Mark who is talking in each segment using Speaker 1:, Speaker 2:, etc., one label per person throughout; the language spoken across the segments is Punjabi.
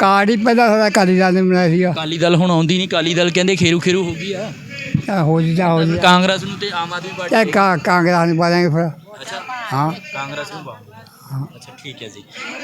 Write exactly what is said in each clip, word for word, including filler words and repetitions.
Speaker 1: ਕਾਰਡ ਹੀ ਪਹਿਲਾਂ ਸਾਡਾ ਅਕਾਲੀ ਦਲ ਨੇ ਬਣਾਇਆ ਸੀਗਾ।
Speaker 2: ਅਕਾਲੀ ਦਲ ਹੁਣ ਆਉਂਦੀ ਨਹੀਂ, ਅਕਾਲੀ ਦਲ ਕਹਿੰਦੇ ਖੇਰੂ ਖੇਰੂ ਹੋ ਗਈ ਆ।
Speaker 1: ਚੱਲ ਹੋ ਜੀ ਜਾ ਹੋ ਜੀ
Speaker 2: ਕਾਂਗਰਸ ਨੂੰ ਤੇ ਆਮ ਆਦਮੀ ਪਾਰਟੀ
Speaker 1: ਚਾਹੇ ਕਾ ਕਾਂਗਰਸ ਨੂੰ ਪਾ ਦਿਆਂਗੇ ਫਿਰ।
Speaker 2: ਅੱਛਾ
Speaker 1: ਹਾਂ
Speaker 2: ਕਾਂਗਰਸ ਨੂੰ ਪਾਉਂਗੇ। ਅੱਛਾ ਠੀਕ ਹੈ ਜੀ।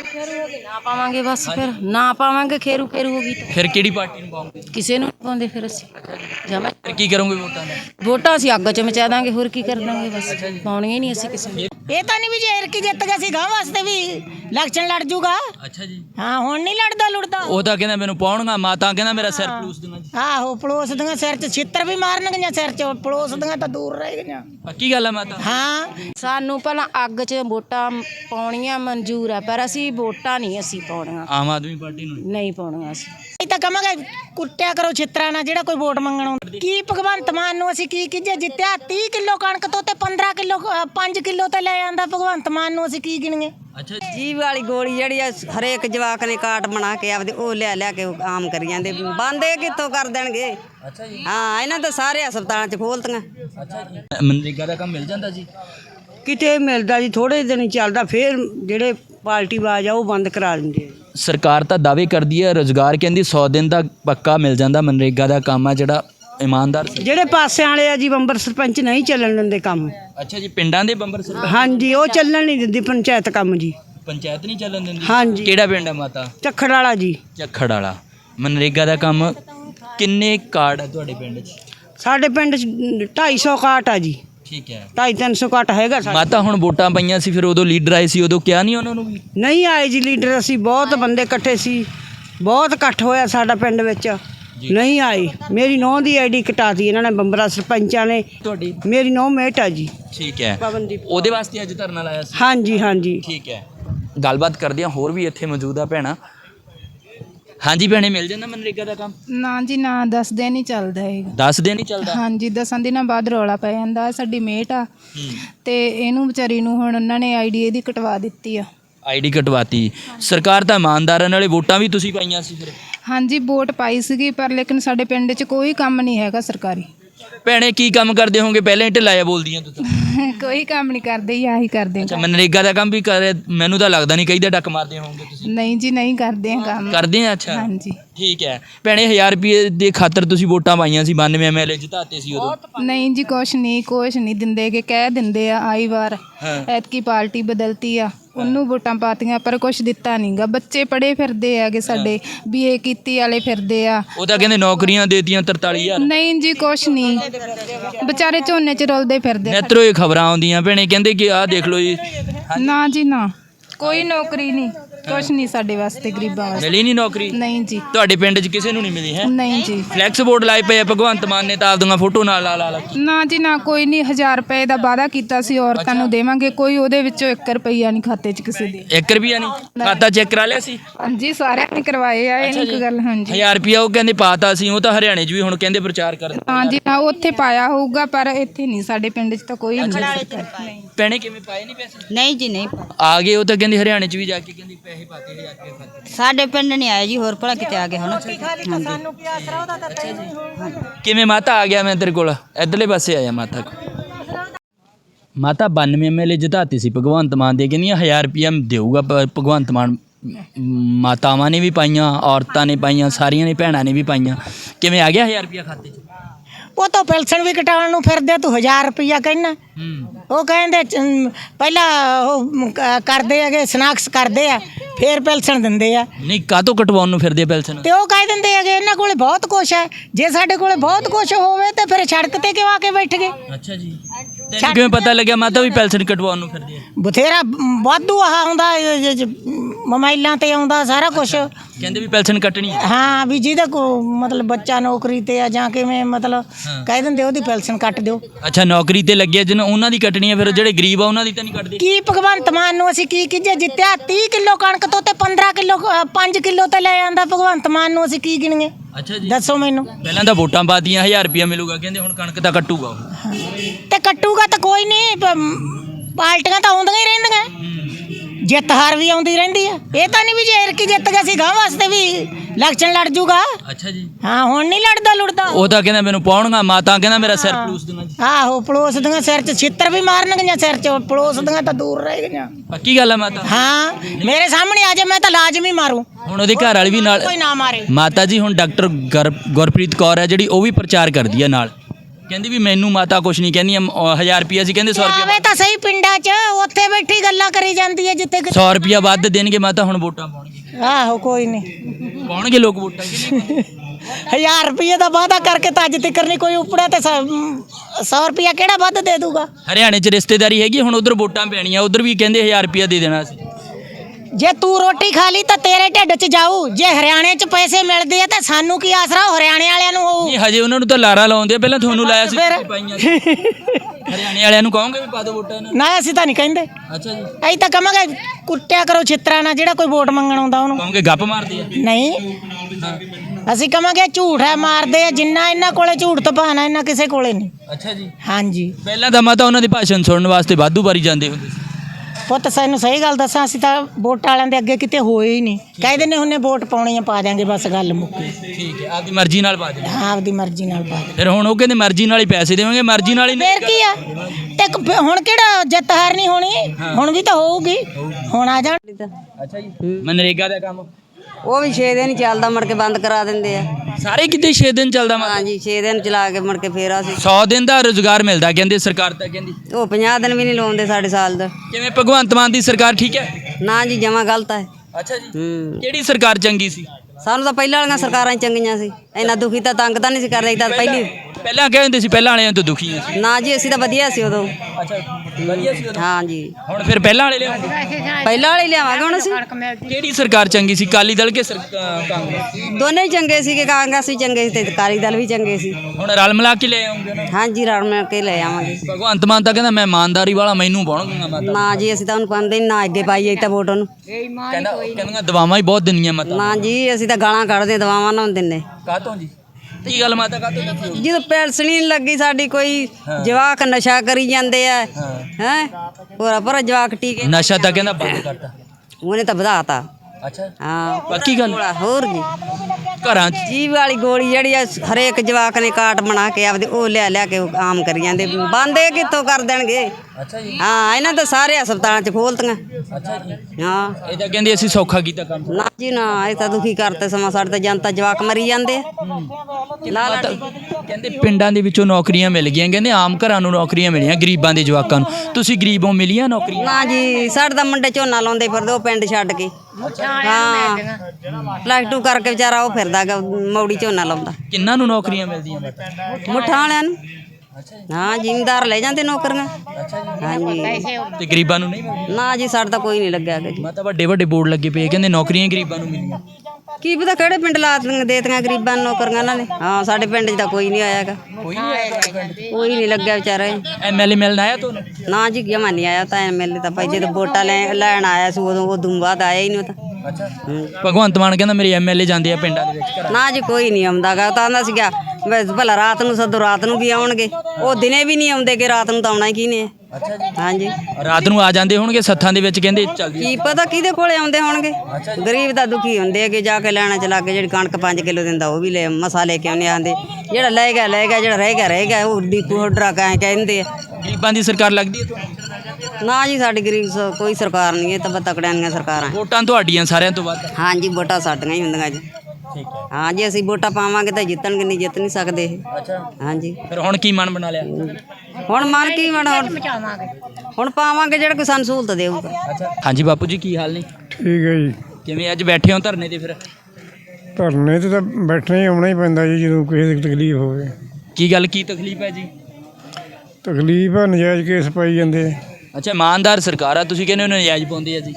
Speaker 3: ਨਾ ਪਾਵਾਂਗੇ ਬਸ ਫਿਰ ਨਾ ਪਾਵਾਂਗੇ ਖੇਰੂ ਖੇਰੂ ਹੋ ਗਈ ਤਾਂ
Speaker 2: ਫਿਰ ਕਿਹੜੀ ਪਾਰਟੀ ਨੂੰ ਪਾਉਂਗੇ?
Speaker 3: ਕਿਸੇ ਨੂੰ ਨਹੀਂ ਪਾਉਂਦੇ ਫਿਰ ਅਸੀਂ ਜਮਾ
Speaker 2: ਫਿਰ ਕੀ ਕਰੋਗੇ ਵੋਟਾਂ ਦਾ?
Speaker 3: ਵੋਟਾਂ ਅਸੀਂ ਅੱਗ 'ਚ ਮਚਾ ਦਾਂਗੇ, ਹੋਰ ਕੀ ਕਰ ਦਾਂਗੇ, ਬਸ ਪਾਉਣੀਆਂ ਹੀ ਨਹੀਂ ਅਸੀਂ ਕਿਸੇ ਨੂੰ।
Speaker 4: ਇਹ ਤਾਂ ਨਹੀਂ ਵੀ ਜੇ ਇਰਕੀ ਜਿੱਤ ਗਿਆ ਸੀ ਗਾਂ ਵਾਸਤੇ ਵੀ ਇਲੈਕਸ਼ਨ ਲੜ ਜੂਗਾ।
Speaker 2: ਅੱਛਾ ਜੀ।
Speaker 4: ਹਾਂ ਹੁਣ ਨਹੀਂ ਲੜਦਾ ਲੁੜਦਾ।
Speaker 2: ਉਹ ਤਾਂ ਕਹਿੰਦਾ ਮੈਨੂੰ ਪਾਉਣਗਾ, ਮਾਤਾ ਕਹਿੰਦਾ ਮੇਰਾ ਸਿਰ ਪਲੂਸ ਦੇਣਾ ਜੀ।
Speaker 4: ਆਹੋ ਪਲੋਸ ਦੀਆਂ ਸਿਰ 'ਚ ਛਿੱਤਰ ਵੀ ਮਾਰਨਗੀਆਂ, ਸਿਰ 'ਚ ਪਲੋਸ ਦੀਆਂ ਤਾਂ ਦੂਰ ਰਹਿ ਗਈਆਂ।
Speaker 2: ਪੱਕੀ ਗੱਲ ਹੈ ਮਾਤਾ?
Speaker 4: ਹਾਂ
Speaker 3: ਸਾਨੂੰ ਪਹਿਲਾਂ ਅੱਗ 'ਚ ਵੋਟਾਂ ਪਾਉਣੀਆਂ ਮਨਜ਼ੂਰ ਆ, ਪਰ ਅਸੀਂ ਵੋਟਾਂ ਨਹੀਂ ਅਸੀਂ ਪਾਉਣੀਆਂ,
Speaker 2: ਆਮ ਆਦਮੀ ਪਾਰਟੀ ਨੂੰ
Speaker 3: ਨਹੀਂ ਪਾਉਣੀਆਂ ਅਸੀਂ।
Speaker 4: ਇਹ ਤਾਂ ਕਹਾਂਗੇ ਕੁੱਟਿਆ ਕਰੋ ਛਿੱਤਰਾਂ ਨਾਲ ਜਿਹੜਾ ਕੋਈ ਵੋਟ ਮੰਗਣ ਆਉਂਦਾ। ਕੀ ਭਗਵੰਤ ਮਾਨ ਨੂੰ ਅਸੀਂ ਕੀ ਕੀ ਜੇ ਜਿੱਤਿਆ ਤੀਹ ਕਿਲੋ ਕਣਕ ਤੋਂ ਤੇ ਪੰਦਰਾਂ ਕਿਲੋ ਪੰਜ ਕਿਲੋ ਤੇ ਲੈ ਜਾਂਦਾ ਭਗਵੰਤ ਮਾਨ ਨੂੰ ਅਸੀਂ ਕੀ ਗਿਣੀਏ।
Speaker 2: ਅੱਛਾ
Speaker 5: ਜੀਭ ਵਾਲੀ ਗੋਲੀ ਜਿਹੜੀ ਆ ਹਰੇਕ ਜਵਾਕ ਨੇ ਕਾਟ ਬਣਾ ਕੇ ਆਪਦੇ ਉਹ ਲਿਆ ਲਿਆ ਕੇ ਆਮ ਕਰੀ ਜਾਂਦੇ, ਬੰਦ ਇਹ ਕਿੱਥੋਂ ਕਰ ਦੇਣਗੇ।
Speaker 2: ਅੱਛਾ ਜੀ।
Speaker 5: ਹਾਂ ਇਹਨਾਂ ਤਾਂ ਸਾਰੇ ਹਸਪਤਾਲਾਂ 'ਚ ਖੋਲਤੀਆਂ।
Speaker 2: ਅੱਛਾ ਜੀ। ਮਨਰੇਗਾ ਦਾ ਕੰਮ ਮਿਲ ਜਾਂਦਾ ਜੀ?
Speaker 6: ਕਿਤੇ ਮਿਲਦਾ ਜੀ, ਥੋੜੇ ਦਿਨ ਹੀ ਚੱਲਦਾ, ਫਿਰ ਜਿਹੜੇ ਪਾਰਟੀ ਬਾਜ ਆ ਉਹ ਬੰਦ ਕਰਾ ਦਿੰਦੇ ਆ।
Speaker 2: ਸਰਕਾਰ ਤਾਂ ਦਾਅਵੇ ਕਰਦੀ ਹੈ ਰੁਜ਼ਗਾਰ, ਕਹਿੰਦੀ ਸੌ ਦਿਨ ਦਾ ਪੱਕਾ ਮਿਲ ਜਾਂਦਾ। ਮਨਰੇਗਾ ਦਾ ਕੰਮ ਆ ਜਿਹੜਾ ਇਮਾਨਦਾਰ।
Speaker 6: ਜਿਹੜੇ ਪਾਸੇ ਵਾਲੇ ਆ ਜੀ ਬੰਬਰ ਸਰਪੰਚ ਨਹੀਂ ਚੱਲਣ ਦਿੰਦੇ ਕੰਮ।
Speaker 2: ਅੱਛਾ ਜੀ। ਪਿੰਡਾਂ ਦੇ ਬੰਬਰ ਸਰਪੰਚ?
Speaker 6: ਹਾਂਜੀ ਉਹ ਚੱਲਣ ਨਹੀਂ ਦਿੰਦੀ ਪੰਚਾਇਤ ਕੰਮ ਜੀ।
Speaker 2: ਪੰਚਾਇਤ ਨਹੀਂ ਚੱਲਣ ਦਿੰਦੀ?
Speaker 6: ਹਾਂਜੀ।
Speaker 2: ਕਿਹੜਾ ਪਿੰਡ ਹੈ ਮਾਤਾ?
Speaker 6: ਚੱਖੜ ਵਾਲਾ ਜੀ।
Speaker 2: ਚੱਖੜ ਵਾਲਾ। ਮਨਰੇਗਾ ਦਾ ਕੰਮ ਕਿੰਨੇ ਕਾਰਡ ਹੈ ਤੁਹਾਡੇ ਪਿੰਡ 'ਚ?
Speaker 6: ਸਾਡੇ ਪਿੰਡ 'ਚ ਢਾਈ ਸੌ ਕਾਟ ਆ ਜੀ।
Speaker 2: ਠੀਕ ਹੈ।
Speaker 6: ਢਾਈ ਤਿੰਨ ਸੌ ਕਾਟ ਹੈਗਾ ਸਾਡੇ।
Speaker 2: ਮਾਤਾ ਹੁਣ ਵੋਟਾਂ ਪਈਆਂ ਸੀ, ਫਿਰ ਉਦੋਂ ਲੀਡਰ ਆਏ ਸੀ, ਉਦੋਂ ਕਿਹਾ ਨਹੀਂ ਉਹਨਾਂ ਨੂੰ ਵੀ?
Speaker 6: ਨਹੀਂ ਆਏ ਜੀ ਲੀਡਰ, ਅਸੀਂ ਬਹੁਤ ਬੰਦੇ ਇਕੱਠੇ ਸੀ, ਬਹੁਤ ਇਕੱਠ ਹੋਇਆ ਸਾਡਾ ਪਿੰਡ ਵਿੱਚ, ਨਹੀਂ ਆਏ। ਮੇਰੀ ਨੂੰਹ ਦੀ ਆਈਡੀ ਕਟਾਤੀ ਇਹਨਾਂ ਨੇ ਬੰਬਰਾ ਸਰਪੰਚਾਂ ਨੇ।
Speaker 2: ਤੁਹਾਡੀ?
Speaker 6: ਮੇਰੀ ਨੂੰਹ ਮੇਟ ਆ ਜੀ।
Speaker 2: ਠੀਕ ਹੈ।
Speaker 6: ਪਵਨਦੀਪ।
Speaker 2: ਉਹਦੇ ਵਾਸਤੇ ਅੱਜ ਧਰਨਾ ਲਾਇਆ ਸੀ?
Speaker 6: ਹਾਂਜੀ ਹਾਂਜੀ।
Speaker 2: ਠੀਕ ਹੈ। ਗੱਲਬਾਤ ਕਰਦੇ ਹਾਂ, ਹੋਰ ਵੀ ਇੱਥੇ ਮੌਜੂਦ ਆ ਭੈਣਾਂ। ਹਾਂਜੀ ਭੈਣੇ, ਮਿਲ ਜਾਂਦਾ ਮਨਰੇਗਾ ਦਾ ਕੰਮ?
Speaker 7: ਨਾ ਜੀ ਨਾ, ਦਸ ਦਿਨ ਹੀ ਚੱਲਦਾ ਹੈ।
Speaker 2: ਦਸ ਦਿਨ ਹੀ ਚੱਲਦਾ?
Speaker 7: ਹਾਂਜੀ, ਦਸਾਂ ਦਿਨਾਂ ਬਾਅਦ ਰੌਲਾ ਪੈ ਜਾਂਦਾ। ਸਾਡੀ ਮੇਟ ਆ ਤੇ ਇਹਨੂੰ ਵਿਚਾਰੀ ਨੂੰ ਹੁਣ ਉਹਨਾਂ ਨੇ ਆਈਡੀ ਇਹਦੀ ਕਟਵਾ ਦਿੱਤੀ ਆ।
Speaker 2: ਆਈਡੀ ਕਟਵਾਤੀ? ਸਰਕਾਰ ਤਾਂ ਇਮਾਨਦਾਰਾਂ ਨਾਲੇ ਵੋਟਾਂ ਵੀ ਤੁਸੀਂ ਪਾਈਆਂ ਸੀ ਫਿਰ?
Speaker 7: ਹਾਂਜੀ ਵੋਟ ਪਾਈ ਸੀਗੀ, ਪਰ ਲੇਕਿਨ ਸਾਡੇ ਪਿੰਡ 'ਚ ਕੋਈ ਕੰਮ ਨਹੀਂ ਹੈਗਾ ਸਰਕਾਰੀ।
Speaker 2: ਭੈਣੇ ਕੀ ਕੰਮ ਕਰਦੇ ਹੋਗੇ? ਪਹਿਲਾਂ ਹੀ ਢਿੱਲਾਇਆ ਬੋਲਦੀਆਂ ਤੂੰ ਤਾਂ।
Speaker 7: ਕੋਈ ਕੰਮ ਨਹੀਂ ਕਰਦੇ ਹੀ, ਆਹੀ ਕਰਦੇ
Speaker 2: ਅੱਛਾ
Speaker 7: ਹਾਂ।
Speaker 2: ਮਨਰੇਗਾ ਦਾ ਕੰਮ ਵੀ ਕਰ? ਮੈਨੂੰ ਤਾਂ ਲੱਗਦਾ ਨਹੀਂ, ਕਈ ਦਾ ਡੱਕ ਮਾਰਦੇ ਹੋਵੋਗੇ ਤੁਸੀਂ।
Speaker 7: ਨਹੀਂ ਜੀ ਨਹੀਂ ਕਰਦੇ ਆ ਕੰਮ।
Speaker 2: ਕਰਦੇ ਆ? ਅੱਛਾ
Speaker 7: ਹਾਂਜੀ।
Speaker 2: ਠੀਕ ਹੈ। ਭੈਣੇ ਹਜ਼ਾਰ ਰੁਪਏ ਦੇ ਖਾਤਰ ਤੁਸੀਂ ਵੋਟਾਂ ਪਾਈਆਂ ਸੀ, ਬਾਨਵੇਂ ਐਮ ਐਲ ਏ ਜਿਤਾਤੇ ਸੀ ਉਦੋਂ।
Speaker 7: ਨਹੀਂ ਜੀ ਕੁਛ ਨਹੀਂ, ਕੁਛ ਨਹੀਂ ਦਿੰਦੇ ਗੇ, ਕਹਿ ਦਿੰਦੇ ਆ ਆਈ ਵਾਰ ਐਤਕੀ ਪਾਰਟੀ ਬਦਲਤੀ ਆ, ਉਹਨੂੰ ਵੋਟਾਂ ਪਾਤੀਆਂ, ਪਰ ਕੁਛ ਦਿੱਤਾ ਨਹੀਂ ਗਾ। ਬੱਚੇ ਪੜ੍ਹੇ ਫਿਰਦੇ ਹੈਗੇ ਸਾਡੇ, ਬੀ ਏ ਕੀਤੀ ਵਾਲੇ ਫਿਰਦੇ ਆ।
Speaker 2: ਉਹ ਤਾਂ ਕਹਿੰਦੇ ਨੌਕਰੀਆਂ ਦੇਤੀਆਂ ਤਰਤਾਲੀ ਹਜ਼ਾਰ।
Speaker 7: ਨਹੀਂ ਜੀ ਕੁਛ ਨਹੀਂ, ਵਿਚਾਰੇ ਝੋਨੇ 'ਚ ਰੁਲਦੇ ਫਿਰਦੇ।
Speaker 2: ਨੇਤਰੋ ਇਹ ਖਬਰਾਂ ਆਉਂਦੀਆਂ ਭੈਣੇ, ਕਹਿੰਦੇ ਕਿ ਆਹ ਦੇਖ ਲਓ ਜੀ।
Speaker 7: ਨਾ ਜੀ ਨਾ, ਕੋਈ ਨੌਕਰੀ ਨਹੀਂ, ਕੁਛ ਨਹੀਂ ਸਾਡੇ ਵਾਸਤੇ ਗਰੀਬਾਂ ਵਾਸਤੇ।
Speaker 2: ਮਿਲੀ ਨਹੀਂ ਨੌਕਰੀ?
Speaker 7: ਨਹੀਂ ਜੀ।
Speaker 2: ਤੁਹਾਡੇ ਪਿੰਡ 'ਚ ਕਿਸੇ ਨੂੰ ਨਹੀਂ ਮਿਲੀ ਹੈ?
Speaker 7: ਨਹੀਂ ਜੀ।
Speaker 2: ਫਲੈਕਸ ਬੋਰਡ ਲਾਏ ਪਏ ਆ ਭਗਵੰਤ ਮਾਨ ਨੇ ਤਾਂ ਆਪਦੀਆਂ ਫੋਟੋ ਨਾਲ ਲਾ ਲਾ ਲਾ।
Speaker 7: ਨਾ ਜੀ ਨਾ, ਕੋਈ ਨਹੀਂ। ਹਜ਼ਾਰ ਰੁਪਏ ਦਾ ਵਾਅਦਾ ਕੀਤਾ ਸੀ ਔਰਤਾਂ ਨੂੰ ਦੇਵਾਂਗੇ, ਕੋਈ ਉਹਦੇ ਵਿੱਚੋਂ ਇੱਕ ਰੁਪਈਆ ਨਹੀਂ ਖਾਤੇ 'ਚ ਕਿਸੇ ਦੇ।
Speaker 2: ਇੱਕ ਰੁਪਿਆ ਨਹੀਂ ਖਾਤਾ ਚੈੱਕ ਕਰਾ ਲਿਆ ਸੀ?
Speaker 7: ਹਾਂਜੀ ਸਾਰਿਆਂ ਨੇ ਕਰਵਾਏ ਆ, ਇਹ ਨਹੀਂ ਗੱਲ। ਹਾਂਜੀ
Speaker 2: ਹਜ਼ਾਰ ਰੁਪਿਆ ਉਹ ਕਹਿੰਦੇ ਪਾਤਾ ਸੀ, ਉਹ ਤਾਂ ਹਰਿਆਣੇ 'ਚ ਵੀ ਹੁਣ ਕਹਿੰਦੇ ਪ੍ਰਚਾਰ ਕਰ।
Speaker 7: ਹਾਂਜੀ ਨਾ, ਉੱਥੇ ਪਾਇਆ ਹੋਊਗਾ, ਪਰ ਇੱਥੇ ਨਹੀਂ, ਸਾਡੇ ਪਿੰਡ 'ਚ ਤਾਂ ਕੋਈ ਨਹੀਂ।
Speaker 2: ਭੈਣੇ ਕਿਵੇਂ ਪਾਏ ਨਹੀਂ ਪੈਸੇ?
Speaker 5: ਨਹੀਂ ਜੀ ਨਹੀਂ,
Speaker 2: ਆ ਗਏ ਉਹ ਤਾਂ ਕਹਿੰਦੇ ਹਰਿਆਣੇ 'ਚ ਵੀ ਜਾ ਕੇ ਕਹਿੰਦੀ ਪੈਸੇ ਪਾਤੇ ਹਜ਼ਾਰ ਰੁਪਏ ਖਾਤੇ।
Speaker 5: ਸਾਡੇ ਪਿੰਡ ਨਹੀਂ ਆਏ ਜੀ, ਹੋਰ ਭਲਾ ਕਿਤੇ ਆ ਗਏ ਹੁਣ।
Speaker 4: ਸਾਨੂੰ ਕੀ ਆਸਰਾ ਉਹਦਾ ਤਾਂ ਤੈਨੂੰ।
Speaker 2: ਕਿਵੇਂ ਮਾਤਾ ਆ ਗਿਆ ਮੈਂ ਤੇਰੇ ਕੋਲ, ਇੱਧਰਲੇ ਪਾਸੇ ਆਇਆ ਮਾਤਾ ਕੋਲ। ਮਾਤਾ ਬਾਨਵੇਂ ਐਮ ਐਲ ਏ ਜਿਤਾਤੇ ਸੀ ਭਗਵੰਤ ਮਾਨ ਦੇ, ਕਹਿੰਦੀਆਂ ਹਜ਼ਾਰ ਰੁਪਈਆ ਦੇਊਗਾ ਭ- ਭਗਵੰਤ ਮਾਨ। ਮਾਤਾਵਾਂ ਨੇ ਵੀ ਪਾਈਆਂ, ਔਰਤਾਂ ਨੇ ਪਾਈਆਂ, ਸਾਰੀਆਂ ਨੇ ਭੈਣਾਂ ਨੇ ਵੀ ਪਾਈਆਂ। ਕਿਵੇਂ ਆ ਗਿਆ ਹਜ਼ਾਰ ਰੁਪਈਆ ਖਾਤੇ 'ਚ?
Speaker 4: ਉਹ ਤਾਂ ਪੈਨਸ਼ਨ ਵੀ ਕਟਾਉਣ ਨੂੰ ਫਿਰਦੇ, ਤੂੰ ਹਜ਼ਾਰ ਰੁਪਈਆ ਕਹਿਣਾ। ਉਹ ਕਹਿੰਦੇ ਚ- ਪਹਿਲਾਂ ਉਹ ਕ- ਕਰਦੇ ਹੈਗੇ ਸਨਾਖਸ ਕਰਦੇ ਆ, ਫੇਰ ਪੈਨਸ਼ਨ ਦਿੰਦੇ ਆ।
Speaker 2: ਨਹੀਂ ਕਾਹਤੋਂ ਕਟਵਾਉਣ ਨੂੰ ਫਿਰਦੇ ਪੈਨਸ਼ਨ?
Speaker 4: ਤੇ ਉਹ ਕਹਿ ਦਿੰਦੇ ਹੈਗੇ ਇਹਨਾਂ ਕੋਲੇ ਬਹੁਤ ਕੁਛ ਹੈ। ਜੇ ਸਾਡੇ ਕੋਲੇ ਬਹੁਤ ਕੁਛ ਹੋਵੇ ਤੇ ਫਿਰ ਸੜਕ ਤੇ ਕਿਉਂ ਆ ਕੇ ਬੈਠ ਗਏ?
Speaker 2: ਅੱਛਾ ਜੀ। ਤੈਨੂੰ ਕਿਵੇਂ ਪਤਾ ਲੱਗਿਆ ਮਾਤਾ ਵੀ ਪੈਨਸ਼ਨ ਕਟਵਾਉਣ ਨੂੰ ਫਿਰਦੇ ਆ?
Speaker 4: ਬਥੇਰਾ ਵਾਧੂ ਆਹ ਆਉਂਦਾ ਇਹ ਜ- ਮੋਬਾਈਲਾਂ ਤੇ ਆਉਂਦਾ ਸਾਰਾ ਕੁਛ।
Speaker 2: ਕਹਿੰਦੇ ਵੀ ਪੈਨਸ਼ਨ ਕੱਟਣੀ ਹੈ।
Speaker 4: ਹਾਂ ਵੀ ਜਿਹਦਾ ਕੋ ਮਤਲਬ ਬੱਚਾ ਨੌਕਰੀ ਤੇ ਆ ਜਾਂ ਕਿਵੇਂ, ਮਤਲਬ ਕਹਿ ਦਿੰਦੇ ਉਹਦੀ ਪੈਨਸ਼ਨ ਕੱਟ ਦਿਓ।
Speaker 2: ਅੱਛਾ ਨੌਕਰੀ ਤੇ ਲੱਗਿਆ ਜਿਹਨਾਂ ਉਹਨਾਂ ਦੀ ਕੱਟਣੀ ਹੈ, ਫਿਰ ਜਿਹੜੇ ਗਰੀਬ ਆ ਉਹਨਾਂ ਦੀ ਤਾਂ ਨਹੀਂ ਕੱਟਦੇ?
Speaker 4: ਕੀ ਭਗਵੰਤ ਮਾਨ ਨੂੰ ਅਸੀਂ ਕੀ ਕੀ ਜੇ ਜਿੱਤਿਆ ਤੀਹ ਕਿਲੋ ਕਣਕ ਤੋਂ ਤੇ ਪੰਦਰਾਂ ਕਿਲੋ ਪੰਜ ਕਿਲੋ ਤੇ ਲੈ ਜਾਂਦਾ ਭਗਵੰਤ ਮਾਨ ਨੂੰ ਅਸੀਂ ਕੀ ਗਿਣੀਏ?
Speaker 2: ਅੱਛਾ ਜੀ।
Speaker 4: ਦੱਸੋ ਮੈਨੂੰ।
Speaker 2: ਪਹਿਲਾਂ ਤਾਂ ਵੋਟਾਂ ਪਾਤੀਆਂ, ਹਜ਼ਾਰ ਰੁਪਇਆ ਮਿਲੂਗਾ, ਕਹਿੰਦੇ ਹੁਣ ਕਣਕ ਤਾਂ ਕੱਟੂਗਾ ਉਹ।
Speaker 4: ਤੇ ਕੱਟੂਗਾ ਤਾਂ ਕੋਈ ਨਹੀਂ, ਪ- ਪਾਰਟੀਆਂ ਤਾਂ ਆਉਂਦੀਆਂ ਹੀ ਰਹਿੰਦੀਆਂ। ਜਿੱਤ ਹਾਰ ਵੀ ਆਉਂਦੀ ਰਹਿੰਦੀ ਆ। ਇਹ ਤਾਂ ਨਹੀਂ ਵੀ ਜੇ ਇਰਕੀ ਜਿੱਤ ਗਿਆ ਸੀ ਗਾਂ ਵਾਸਤੇ ਵੀ ਇਲੈਕਸ਼ਨ ਲੜ ਜੂਗਾ।
Speaker 2: ਅੱਛਾ ਜੀ।
Speaker 4: ਹਾਂ ਹੁਣ ਨਹੀਂ ਲੜਦਾ ਲੁੜਦਾ
Speaker 2: ਉਹ ਤਾਂ ਕਹਿੰਦਾ ਮੈਨੂੰ ਪਾਉਣਗਾ ਮਾਤਾ ਕਹਿੰਦਾ ਮੇਰਾ ਸਿਰ ਪਲੂਸ ਦੂੰਗਾ ਜੀ।
Speaker 4: ਆਹੋ ਪੜੋਸ ਦੀਆਂ ਸਿਰ 'ਚ ਛਿੱਤਰ ਵੀ ਮਾਰਨਗੀਆਂ, ਸਿਰ 'ਚ ਪੜੋਸ ਦੀਆਂ ਤਾਂ ਦੂਰ ਰਹਿ ਗਈਆਂ।
Speaker 2: ਪੱਕੀ ਗੱਲ ਹੈ ਮਾਤਾ।
Speaker 4: ਹਾਂ ਮੇਰੇ ਸਾਹਮਣੇ ਆ ਜਾ ਮੈਂ ਤਾਂ ਲਾਜ਼ਮੀ ਮਾਰੂ।
Speaker 2: ਹੁਣ ਉਹਦੀ ਘਰ ਵਾਲੀ ਵੀ ਨਾਲ
Speaker 4: ਕੋਈ ਨਾ ਮਾਰੇ।
Speaker 2: ਮਾਤਾ ਜੀ ਹੁਣ ਡਾਕਟਰ ਗੁਰ- ਗੁਰਪ੍ਰੀਤ ਕੌਰ ਹੈ ਜਿਹੜੀ ਉਹ ਵੀ ਪ੍ਰਚਾਰ ਕਰਦੀ ਹੈ ਨਾਲ, ਕਹਿੰਦੀ ਵੀ ਮੈਨੂੰ ਮਾਤਾ ਕੁਛ ਨਹੀਂ ਕਹਿੰਦੀ, ਅਮ, ਹਜ਼ਾਰ ਰੁਪਿਆ ਸੀ ਕਹਿੰਦੇ ਸੌ ਰੁਪਿਆ
Speaker 4: ਆਵੇ ਤਾਂ ਸਹੀ ਪਿੰਡਾਂ 'ਚ ਉੱਥੇ ਬੈਠੀ ਗੱਲਾਂ ਕਰੀ ਜਾਂਦੀ ਹੈ ਜਿੱਥੇ ਕਿ-
Speaker 2: ਸੌ ਰੁਪਿਆ ਵੱਧ ਦੇਣਗੇ ਮਾਤਾ ਹੁਣ ਵੋਟਾਂ ਪਾਉਣਗੇ।
Speaker 4: ਆਹੋ ਕੋਈ ਨਹੀਂ
Speaker 2: ਪਾਉਣਗੇ ਲੋਕ ਵੋਟਾਂ ਕਿ ਨਹੀਂ?
Speaker 4: ਹਜ਼ਾਰ ਰੁਪਏ ਦਾ ਵਾਅਦਾ ਕਰਕੇ ਤਾਂ ਅੱਜ ਤੱਕ ਨਹੀਂ ਕੋਈ ਉਪੜਿਆ ਤੇ ਸੌ ਰੁਪਇਆ ਕਿਹੜਾ ਵੱਧ ਦੇ ਦੂਗਾ।
Speaker 2: ਹਰਿਆਣੇ 'ਚ ਰਿਸ਼ਤੇਦਾਰੀ ਹੈਗੀ, ਹੁਣ ਉਧਰ ਵੋਟਾਂ ਪੈਣੀਆਂ, ਉਧਰ ਵੀ ਕਹਿੰਦੇ ਹਜ਼ਾਰ ਰੁਪਿਆ ਦੇ ਦੇਣਾ ਸੀ।
Speaker 4: ਜੇ ਤੂੰ ਰੋਟੀ ਖਾ ਲਈ ਤਾਂ ਤੇਰੇ ਢਿੱਡ 'ਚ ਜਾਊ। ਜੇ ਹਰਿਆਣੇ 'ਚ ਪੈਸੇ ਮਿਲਦੇ ਆ ਤਾਂ ਸਾਨੂੰ ਕੀ ਆਸਰਾ ਉਹ ਹਰਿਆਣੇ ਵਾਲਿਆਂ ਨੂੰ ਹੋਊ।
Speaker 2: ਨਹੀਂ ਹਜੇ ਉਹਨਾਂ ਨੂੰ ਤਾਂ ਲਾਰਾ ਲਾਉਂਦੇ ਆ, ਪਹਿਲਾਂ ਤੁਹਾਨੂੰ ਲਾਇਆ ਸੀ
Speaker 4: ਫਿਰ?
Speaker 2: ਤੁਸੀਂ ਪਾਈਆਂ ਸੀ। ਹਰਿਆਣੇ ਵਾਲਿਆਂ ਨੂੰ ਕਹੋਗੇ ਵੀ ਪਾ ਦਿਓ ਵੋਟਾਂ ਇਹਨਾਂ ਨੂੰ?
Speaker 4: ਨਾ ਅਸੀਂ ਤਾਂ ਨਹੀਂ ਕਹਿੰਦੇ।
Speaker 2: ਅੱਛਾ ਜੀ।
Speaker 4: ਅਸੀਂ ਤਾਂ ਕਹਾਂਗੇ ਕੁੱਟਿਆ ਕਰੋ ਛਿੱਤਰਾਂ ਨਾਲ ਜਿਹੜਾ ਕੋਈ ਵੋਟ ਮੰਗਣ ਆਉਂਦਾ ਉਹਨੂੰ।
Speaker 2: ਕਹੋਗੇ ਗੱਪ ਮਾਰਦੀ ਆ?
Speaker 4: ਨਹੀਂ ਅਸੀਂ ਕਹਾਂਗੇ ਝੂਠ ਹੈ, ਮਾਰਦੇ ਆ। ਜਿੰਨਾ ਇਹਨਾਂ ਕੋਲੇ ਝੂਠ ਤਪਾਣਾ ਇਹਨਾਂ ਕਿਸੇ ਕੋਲੇ ਨਹੀਂ।
Speaker 2: ਅੱਛਾ ਜੀ।
Speaker 4: ਹਾਂਜੀ
Speaker 2: ਪਹਿਲਾਂ ਤਾਂ ਮਾਤਾ ਉਹਨਾਂ ਦੇ ਭਾਸ਼ਣ ਸੁਣਨ ਵਾਸਤੇ ਵਾਧੂ ਵਾਰੀ ਜਾਂਦੇ ਹੁੰਦੇ ਸੀ।
Speaker 4: ਪੁੱਤ ਸਾਨੂੰ ਸਹੀ ਗੱਲ ਦੱਸਾਂ, ਅਸੀਂ ਤਾਂ ਵੋਟ ਵਾਲਿਆਂ ਦੇ ਅੱਗੇ ਕਿਤੇ ਹੋਏ ਹੀ ਨਹੀਂ। ਕਹਿ ਦਿੰਦੇ ਹੁੰਨੇ ਵੋਟ ਪਾਉਣੀ ਆ ਪਾ ਦਿਆਂਗੇ, ਬਸ ਗੱਲ ਮੁੱਕੀ।
Speaker 2: ਠੀਕ ਹੈ, ਆਪਦੀ ਮਰਜ਼ੀ ਨਾਲ ਪਾ ਦੇ।
Speaker 4: ਹਾਂ ਆਪਦੀ ਮਰਜ਼ੀ ਨਾਲ ਪਾ ਦੇ।
Speaker 2: ਫਿਰ ਹੁਣ ਉਹ ਕਹਿੰਦੇ ਮਰਜ਼ੀ ਨਾਲ ਹੀ ਪੈਸੇ ਦੇਵਾਂਗੇ, ਮਰਜ਼ੀ ਨਾਲ ਹੀ ਨਹੀਂ।
Speaker 4: ਫੇਰ ਕੀ ਆ ਤੇ ਕ- ਫਿਰ ਹੁਣ ਕਿਹੜਾ ਜਿੱਤ ਹਾਰ ਨਹੀਂ ਹੋਣੀ, ਹੁਣ ਵੀ ਤਾਂ ਹੋਊਗੀ। ਹੁਣ ਆ ਜਾਣ।
Speaker 2: ਅੱਛਾ ਜੀ। ਮਨਰੇਗਾ ਦਾ ਕੰਮ
Speaker 5: ਉਹ ਵੀ ਛੇ ਦਿਨ ਹੀ ਚੱਲਦਾ, ਮੁੜ ਕੇ ਬੰਦ ਕਰਾ ਦਿੰਦੇ ਆ।
Speaker 2: ਸਾਰੇ ਕਿਤੇ ਛੇ ਦਿਨ ਚੱਲਦਾ ਮਾਤਾ?
Speaker 5: ਹਾਂਜੀ ਛੇ ਦਿਨ ਚਲਾ ਕੇ ਮੁੜ ਕੇ ਫੇਰ ਅਸੀਂ
Speaker 2: ਸੌ ਦਿਨ ਦਾ ਰੋਜ਼ਗਾਰ ਮਿਲਦਾ ਕਹਿੰਦੇ ਸਰਕਾਰ ਤਾਂ ਕਹਿੰਦੀ।
Speaker 5: ਉਹ ਪੰਜਾਹ ਦਿਨ ਵੀ ਨਹੀਂ ਲਾਉਂਦੇ ਸਾਡੇ ਸਾਲ ਦਾ।
Speaker 2: ਕਿਵੇਂ ਭਗਵੰਤ ਮਾਨ ਦੀ ਸਰਕਾਰ ਠੀਕ ਹੈ?
Speaker 5: ਨਾ ਜੀ ਜਮਾ ਗਲਤ ਹੈ।
Speaker 2: ਅੱਛਾ ਜੀ।
Speaker 5: ਹੂੰ
Speaker 2: ਕਿਹੜੀ ਸਰਕਾਰ ਚੰਗੀ ਸੀ?
Speaker 5: ਸਾਨੂੰ ਤਾਂ ਪਹਿਲਾਂ ਵਾਲੀਆਂ ਸਰਕਾਰਾਂ ਹੀ ਚੰਗੀਆਂ ਸੀ। ਇੰਨਾ ਦੁਖੀ ਤਾਂ ਤੰਗ ਤਾਂ ਨਹੀਂ ਸੀ ਕਰਦੇ ਤਾਂ ਪਹਿਲੀ।
Speaker 2: ਪਹਿਲਾਂ ਕਹਿੰਦੇ ਸੀ ਪਹਿਲਾਂ ਵਾਲਿਆਂ ਤੋਂ ਦੁਖੀ ਆ।
Speaker 5: ਨਾ ਜੀ ਅਸੀਂ ਤਾਂ ਵਧੀਆ ਸੀ ਉਦੋਂ।
Speaker 2: ਅੱਛਾ ਵਧੀਆ ਸੀ ਉਦੋਂ।
Speaker 5: ਹਾਂ ਜੀ
Speaker 2: ਹੁਣ ਫਿਰ ਪਹਿਲਾਂ ਵਾਲੇ ਲਿਆਉਂਦੇ?
Speaker 5: ਪਹਿਲਾਂ ਵਾਲੇ ਲਿਆਵਾਂਗੇ ਹੁਣ ਅਸੀਂ।
Speaker 2: ਕਿਹੜੀ ਸਰਕਾਰ ਚੰਗੀ ਸੀ, ਅਕਾਲੀ ਦਲ ਕੇ ਸਰ- ਅ, ਕਾਂਗਰਸ?
Speaker 5: ਦੋਨੇ ਹੀ ਚੰਗੇ ਸੀਗੇ, ਕਾਂਗਰਸ ਵੀ ਚੰਗੇ ਸੀ ਤੇ ਅਕਾਲੀ ਦਲ ਵੀ ਚੰਗੇ ਸੀ।
Speaker 2: ਹੁਣ ਰਲ ਮਿਲਾ ਕੇ ਲੈ ਆਉਂਗੇ ਨਾ?
Speaker 5: ਹਾਂ ਜੀ ਰਲ ਮਿਲ ਕੇ ਲੈ ਆਵਾਂਗੇ।
Speaker 2: ਭਗਵੰਤ ਮਾਨ ਤਾਂ ਕਹਿੰਦਾ ਮੈਂ ਇਮਾਨਦਾਰੀ ਵਾਲਾ, ਮੈਨੂੰ ਪਾਉਣਗਾ ਮਾਤਾ।
Speaker 5: ਨਾ ਜੀ ਅਸੀਂ ਤਾਂ ਉਹਨੂੰ ਪਾਉਂਦੇ ਨੀ, ਨਾ ਅੱਗੇ ਪਾਈਏ ਤਾਂ ਵੋਟ ਉਹਨੂੰ।
Speaker 2: ਕਹਿੰਦਾ ਕਹਿੰਦਾ ਦਵਾਵਾਂ ਹੀ ਬਹੁਤ ਦਿੰਦੀਆਂ ਮਾਤਾ।
Speaker 5: ਨਾ ਜੀ ਅਸੀਂ ਤਾਂ ਗਾਲਾਂ ਕੱਢਦੇ, ਦਵਾਵਾਂ ਨਾ ਦਿੰਦੇ।
Speaker 2: ਕਾਹਤੋਂ ਜੀ? ਕੀ ਗੱਲ ਮਾਤਾ ਕਾਹਤੋਂ ਦਿੱਤੀ?
Speaker 5: ਜਦੋਂ ਪੈਲਸ ਨਹੀਂ ਲੱਗੀ ਸਾਡੀ, ਕੋਈ ਜਵਾਕ ਨਸ਼ਾ ਕਰੀ ਜਾਂਦੇ ਆ ਹੈ ਪੂਰਾ ਪੂਰਾ ਜਵਾਕ ਟੀਕੇ।
Speaker 2: ਨਸ਼ਾ ਤਾਂ ਕਹਿੰਦਾ ਬੰਦ ਕਰਤਾ।
Speaker 5: ਉਹਨੇ ਤਾਂ ਵਧਾਤਾ।
Speaker 2: ਅੱਛਾ
Speaker 5: ਹਾਂ
Speaker 2: ਪੱਕੀ ਗੱਲ?
Speaker 5: ਹੋਰ ਜੀ
Speaker 2: ਘਰਾਂ 'ਚ
Speaker 5: ਜੀਵ ਵਾਲੀ ਗੋਲੀ ਜਿਹੜੀ ਆ ਹਰੇਕ ਜਵਾਕ ਨੇ ਕਾਟ ਬਣਾ ਕੇ ਆਪਦੇ ਉਹ ਲਿਆ ਲਿਆ ਕੇ ਉਹ ਆਮ ਕਰੀ ਜਾਂਦੇ। ਬੰਦੇ ਕਿੱਥੋਂ ਕਰ ਦੇਣਗੇ?
Speaker 2: ਅੱਛਾ ਜੀ।
Speaker 5: ਹਾਂ ਇਹਨਾਂ ਤਾਂ ਸਾਰੇ ਹਸਪਤਾਲਾਂ 'ਚ ਖੋਲਤੀਆਂ।
Speaker 2: ਅੱਛਾ ਜੀ।
Speaker 5: ਹਾਂ
Speaker 2: ਇਹ ਤਾਂ ਕਹਿੰਦੇ ਅਸੀਂ ਸੌਖਾ ਕੀਤਾ ਕੰਮ।
Speaker 5: ਨਾ ਜੀ ਨਾ ਇਹ ਤਾਂ ਦੁਖੀ ਕਰਤੇ ਸਮਾਂ, ਸਾਡੇ ਤਾਂ ਜਨਤਾ ਜਵਾਕ ਮਰੀ ਜਾਂਦੇ ਆ। ਲਾ ਲਾ
Speaker 2: ਮਾਤਾ ਕਹਿੰਦੇ ਪਿੰਡਾਂ ਦੇ ਵਿੱਚੋਂ ਨੌਕਰੀਆਂ ਮਿਲ ਗਈਆਂ, ਕਹਿੰਦੇ ਆਮ ਘਰਾਂ ਨੂੰ ਨੌਕਰੀਆਂ ਮਿਲੀਆਂ, ਗਰੀਬਾਂ ਦੇ ਜਵਾਕਾਂ ਨੂੰ। ਤੁਸੀਂ ਗਰੀਬੋਂ ਮਿਲੀਆਂ ਨੌਕਰੀਆਂ?
Speaker 5: ਨਾ ਜੀ ਸਾਡੇ ਤਾਂ ਮੁੰਡੇ ਝੋਨਾ ਲਾਉਂਦੇ ਫਿਰਦੇ ਉਹ ਪਿੰਡ ਛੱਡ ਕੇ। ਹਾਂ ਪਲੱਸ ਟੂ ਕਰਕੇ ਵਿਚਾਰਾ ਉਹ ਫਿਰਦਾ ਗਾ ਮੌੜੀ ਝੋਨਾ ਲਾਉਂਦਾ।
Speaker 2: ਕਿੰਨਾਂ ਨੂੰ ਨੌਕਰੀਆਂ ਮਿਲਦੀਆਂ ਮਾਤਾ?
Speaker 5: ਮੁੱਠਾਂ ਵਾਲਿਆਂ ਨੂੰ। ਹਾਂ ਜ਼ਿਮੀਂਦਾਰ ਲੈ ਜਾਂਦੇ ਨੌਕਰੀਆਂ। ਹਾਂਜੀ
Speaker 2: ਤੇ ਗਰੀਬਾਂ ਨੂੰ ਨਹੀਂ ਮਿਲਦੀਆਂ?
Speaker 5: ਨਾ ਜੀ ਸਾਡਾ ਤਾਂ ਕੋਈ ਨਹੀਂ ਲੱਗਿਆ ਗਾ ਜੀ।
Speaker 2: ਮਾਤਾ ਵੱਡੇ ਵੱਡੇ ਬੋਰਡ ਲੱਗੇ ਪਏ, ਕਹਿੰਦੇ ਨੌਕਰੀਆਂ ਗਰੀਬਾਂ ਨੂੰ ਮਿਲੀਆਂ।
Speaker 5: ਕੀ ਪਤਾ ਕਿਹੜੇ ਪਿੰਡ ਲਾ ਦੇਤੀਆਂ ਗਰੀਬਾਂ ਨੂੰ ਨੌਕਰੀਆਂ ਇਹਨਾਂ ਨੇ। ਹਾਂ ਸਾਡੇ ਪਿੰਡ 'ਚ ਤਾਂ ਕੋਈ ਨਹੀਂ ਆਇਆ ਗਾ,
Speaker 2: ਕੋਈ ਨਹੀਂ ਆਇਆ ਤੁਹਾਡੇ ਪਿੰਡ?
Speaker 5: ਕੋਈ ਨਹੀਂ ਲੱਗਿਆ ਵਿਚਾਰਾ।
Speaker 2: ਐਮਐਲਏ ਮਿਲਣ ਆਇਆ ਤੁਹਾਨੂੰ?
Speaker 5: ਨਾ ਜੀ ਜਮਾ ਨਹੀਂ ਆਇਆ ਤਾਂ ਐਮਐਲਏ ਤਾਂ ਭਾਈ ਜਦੋਂ ਵੋਟਾਂ ਲੈ ਲੈਣ ਆਇਆ ਸੀ ਉਦੋਂ ਉਦੋਂ ਬਾਅਦ ਆਇਆ ਹੀ ਨਹੀਂ ਉਹ ਤਾਂ।
Speaker 2: ਅੱਛਾ। ਭਗਵੰਤ ਮਾਨ ਕਹਿੰਦਾ ਮੇਰੇ ਐਮਐਲਏ ਜਾਂਦੇ ਆ ਪਿੰਡਾਂ ਦੇ ਵਿੱਚ ਘਰਾਂ।
Speaker 5: ਨਾ ਜੀ ਕੋਈ ਨਹੀਂ ਆਉਂਦਾ ਗਾ, ਤਾਂ ਆਂਦਾ ਸੀਗਾ ਬਸ ਭਲਾ ਰਾਤ ਨੂੰ ਸਦੋਂ ਰਾਤ ਨੂੰ ਵੀ ਆਉਣਗੇ। ਉਹ ਦਿਨੇ ਵੀ ਨਹੀਂ ਆਉਂਦੇ ਕਿ ਰਾਤ ਨੂੰ ਤਾਂ ਆਉਣਾ ਹੀ ਕਿਹਨੇ।
Speaker 2: ਅੱਛਾ ਜੀ।
Speaker 5: ਹਾਂਜੀ
Speaker 2: ਰਾਤ ਨੂੰ ਆ ਜਾਂਦੇ ਹੋਣਗੇ ਸੱਥਾਂ ਦੇ ਵਿੱਚ, ਕਹਿੰਦੇ ਚੱਲਦੀ।
Speaker 5: ਕੀ ਪਤਾ ਕਿਹਦੇ ਕੋਲੇ ਆਉਂਦੇ ਹੋਣਗੇ। ਗਰੀਬ ਤਾਂ ਦੁਖੀ ਹੁੰਦੇ ਕਿ ਜਾ ਕੇ ਲੈਣਾ ਚਲਾ ਕੇ ਜਿਹੜੀ ਕਣਕ ਪੰਜ ਕਿਲੋ ਦਿੰਦਾ ਉਹ ਵੀ ਲੈ ਮਸਾ ਲੈ ਕੇ ਆਉਂਦੇ ਆਂਦੇ। ਜਿਹੜਾ ਲੈ ਗਿਆ ਲੈ ਗਿਆ, ਜਿਹੜਾ ਰਹਿ ਗਿਆ ਰਹਿ ਗਿਆ। ਉਹ ਡੀਪੂ ਹੋਡਰਾ ਕਾ ਕਹਿੰਦੇ ਆ।
Speaker 2: ਗਰੀਬਾਂ ਦੀ ਸਰਕਾਰ ਲੱਗਦੀ ਹੈ ਤੁਹਾਨੂੰ?
Speaker 5: ਨਾ ਜੀ ਸਾਡੀ ਗਰੀਬ ਸ- ਕੋਈ ਸਰਕਾਰ ਨਹੀਂ, ਇਹ ਤਾਂ ਬਸ ਤਕੜਿਆਂ ਦੀਆਂ ਸਰਕਾਰਾਂ।
Speaker 2: ਵੋਟਾਂ ਤੁਹਾਡੀਆਂ ਸਾਰਿਆਂ ਤੋਂ ਵੱਧ?
Speaker 5: ਹਾਂਜੀ ਵੋਟਾਂ ਸਾਡੀਆਂ ਹੀ ਹੁੰਦੀਆਂ ਜੀ।
Speaker 2: ਠੀਕ ਹੈ।
Speaker 5: ਹਾਂ ਜੀ ਅਸੀਂ ਵੋਟਾਂ ਪਾਵਾਂਗੇ ਤਾਂ ਜਿੱਤਣਗੇ, ਨਹੀਂ ਜਿੱਤ ਨਹੀਂ ਸਕਦੇ ਇਹ।
Speaker 2: ਅੱਛਾ।
Speaker 5: ਹਾਂਜੀ
Speaker 2: ਫਿਰ ਹੁਣ ਕੀ ਮਨ ਬਣਾ ਲਿਆ?
Speaker 5: ਹੁਣ ਮਨ ਕੀ ਬਣਾ ਹੁਣ ਪਾਵਾਂਗੇ ਜਿਹੜਾ ਕੋਈ ਸਾਨੂੰ ਸਹੂਲਤ ਦੇਊਗਾ।
Speaker 2: ਅੱਛਾ। ਹਾਂਜੀ ਬਾਪੂ ਜੀ ਕੀ ਹਾਲ ਨੇ?
Speaker 1: ਠੀਕ ਹੈ ਜੀ।
Speaker 2: ਕਿਵੇਂ ਅੱਜ ਬੈਠੇ ਹੋ ਧਰਨੇ ਤੇ? ਫਿਰ
Speaker 1: ਧਰਨੇ ਤੇ ਤਾਂ ਬੈਠਣਾ ਹੀ ਆਉਣਾ ਹੀ ਪੈਂਦਾ ਜੀ ਜਦੋਂ ਕਿਸੇ ਦੀ ਤਕਲੀਫ ਹੋਵੇ।
Speaker 2: ਕੀ ਗੱਲ ਕੀ ਤਕਲੀਫ ਹੈ ਜੀ?
Speaker 1: ਤਕਲੀਫ ਆ, ਨਜਾਇਜ਼ ਕੇਸ ਪਾਈ ਜਾਂਦੇ ਆ।
Speaker 2: ਅੱਛਾ ਇਮਾਨਦਾਰ ਸਰਕਾਰ ਆ, ਤੁਸੀਂ ਕਹਿੰਦੇ ਹੋ ਨਜਾਇਜ਼ ਪਾਉਂਦੇ ਆ ਜੀ?